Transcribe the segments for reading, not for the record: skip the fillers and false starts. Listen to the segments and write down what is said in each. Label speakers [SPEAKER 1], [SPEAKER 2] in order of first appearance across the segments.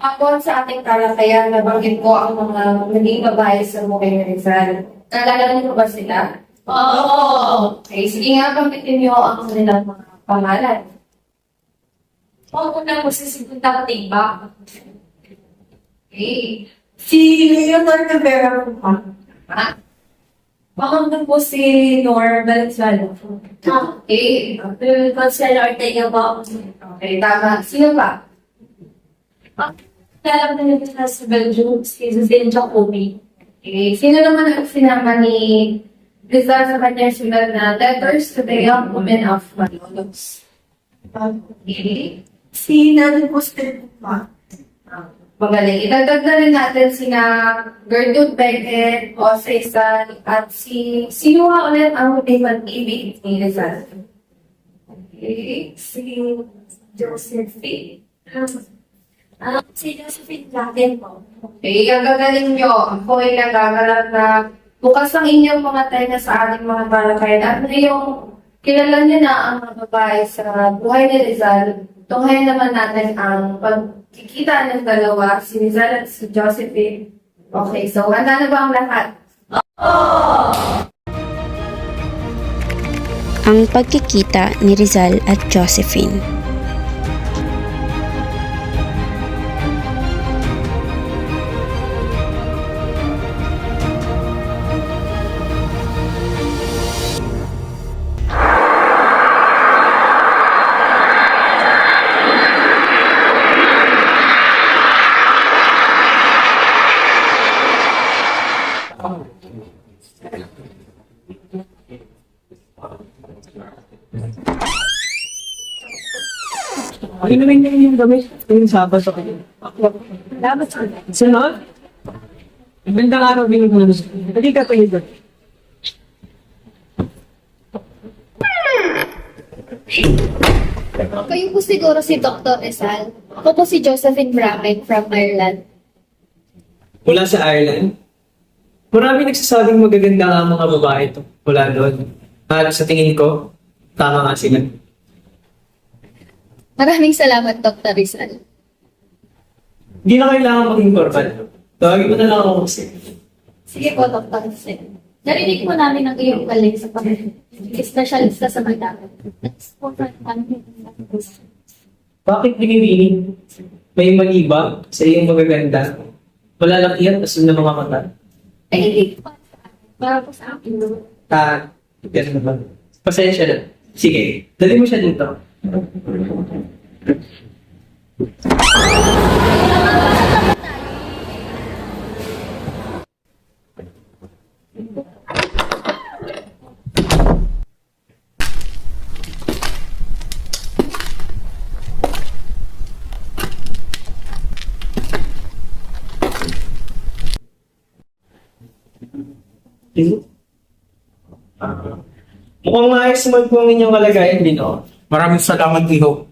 [SPEAKER 1] Ako sa ating talakayan, nabanggit ko ang mga naging babae sa Bukay Rizal. Naalala niyo ba sila? Oo! Okay, sige nga, banggitin niyo ang kanilang mga pangalan.
[SPEAKER 2] Una po si Sinta Tiba.
[SPEAKER 1] Okay.
[SPEAKER 2] Si Leonor Rivera po pa.
[SPEAKER 1] Ha?
[SPEAKER 2] Pangalawa po si Nor Valenzuela.
[SPEAKER 1] Okay.
[SPEAKER 2] Marcelo Ortega po.
[SPEAKER 1] Okay, tama. Sino pa?
[SPEAKER 2] Alam na nila sa Belgium, si Zin Jacobi.
[SPEAKER 1] Okay. Sino naman ang sinama ni Rizal sa kanyang sulat na Letters to the Young Women of Malolos? Okay.
[SPEAKER 2] Si Nani Poster po pa.
[SPEAKER 1] Magaling. Idagdag na rin natin sina Gertrude Beckett, Jose San, at sino nga ulit ang may pag-ibig ni Rizal? Okay.
[SPEAKER 2] Si Josephine. Si Josephine Laden po.
[SPEAKER 1] Okay, ang gagaling nyo. Ako ay nagagalak na bukas ang inyong mga tenga sa ating mga talakayan. At ngayong kilala nyo na ang mga babae sa buhay ni Rizal, tunghayan naman natin ang pagkikita ng dalawa, si Rizal at si Josephine. Okay, so handa na ba ang lahat?
[SPEAKER 3] Ang pagkikita ni Rizal at Josephine.
[SPEAKER 4] Ano naman yung gamit? Yung sabas ako. Dapat sa sunod? Magandang araw, binig mo na gusto. Hindi ka tayo doon.
[SPEAKER 5] Kayo po siguro si Dr. Rizal. Ako po si Josephine Bramen from Ireland.
[SPEAKER 4] Mula sa Ireland? Marami nagsasabing magaganda ang mga babae ito mula doon. At sa tingin ko, tama nga sila.
[SPEAKER 5] Maraming salamat, Dr. Rizal.
[SPEAKER 4] Hindi na kailangan maging formal. Tawagin mo na lang ako kasi.
[SPEAKER 5] Sige po, Dr. Rizal. Narinig po namin ang iyong galing sa pag-espesyalista sa magdamag.
[SPEAKER 4] Bakit binibining? May mali ba sa iyong magaganda? Malalaki at asul na mga mata.
[SPEAKER 5] Ay, para po sa akin.
[SPEAKER 4] Ganun naman. Pasensya na. Sige, dali mo siya dito. Mukhang maayos naman po ang inyong kalagayan din, oh.
[SPEAKER 6] Maraming salamat, Iho.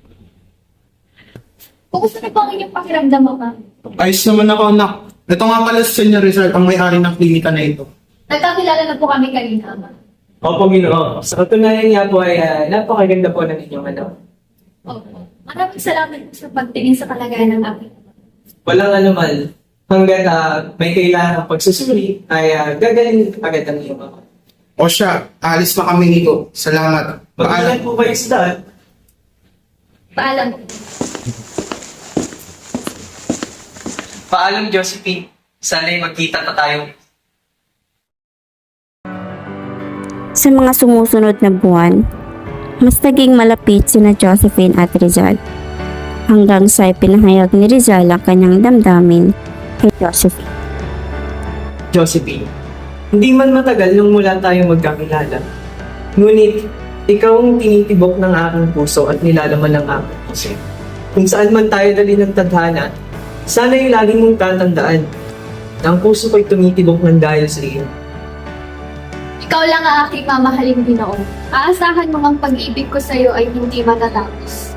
[SPEAKER 5] Kumusta na po ang inyong pakiramdam, Mama?
[SPEAKER 6] Ayos naman ako, anak. Ito nga pala si Senior Rizal, ang may-ari ng klinika na ito.
[SPEAKER 5] Nagkakilala na po kami kanina, Ama.
[SPEAKER 4] Opo, Ginoo. Sa katunayan nga po ay napakaganda po ng inyong ano.
[SPEAKER 5] Opo. Maraming salamat po sa pagtingin sa kalagayan ng aking ama.
[SPEAKER 4] Walang anuman. Hanggat may kailangan ng pagsusuri, ay gagaling agad ang iyong mga.
[SPEAKER 6] O siya, alis na kami, Iho. Salamat.
[SPEAKER 4] Pag-ilan po kayo sa daan?
[SPEAKER 5] Paalam po.
[SPEAKER 4] Paalam, Josephine. Sana'y magkita pa tayo.
[SPEAKER 3] Sa mga sumusunod na buwan, mas naging malapit sina Josephine at Rizal. Hanggang sa pinahayag ni Rizal ang kanyang damdamin kay Josephine.
[SPEAKER 4] Josephine, hindi man matagal nung mula tayo magkakilala. Ngunit, ikaw ang tinitibok ng aking puso at nilalaman ng aking puso. Kung saan man tayo dali ng tadhana, sana yung laging mong tatandaan na ang puso ko'y tumitibok ng dahil sa iyo.
[SPEAKER 5] Ikaw lang ang aking mamahaling Ginoo. Aasahan mo ang pag-ibig ko sa iyo ay hindi matatapos.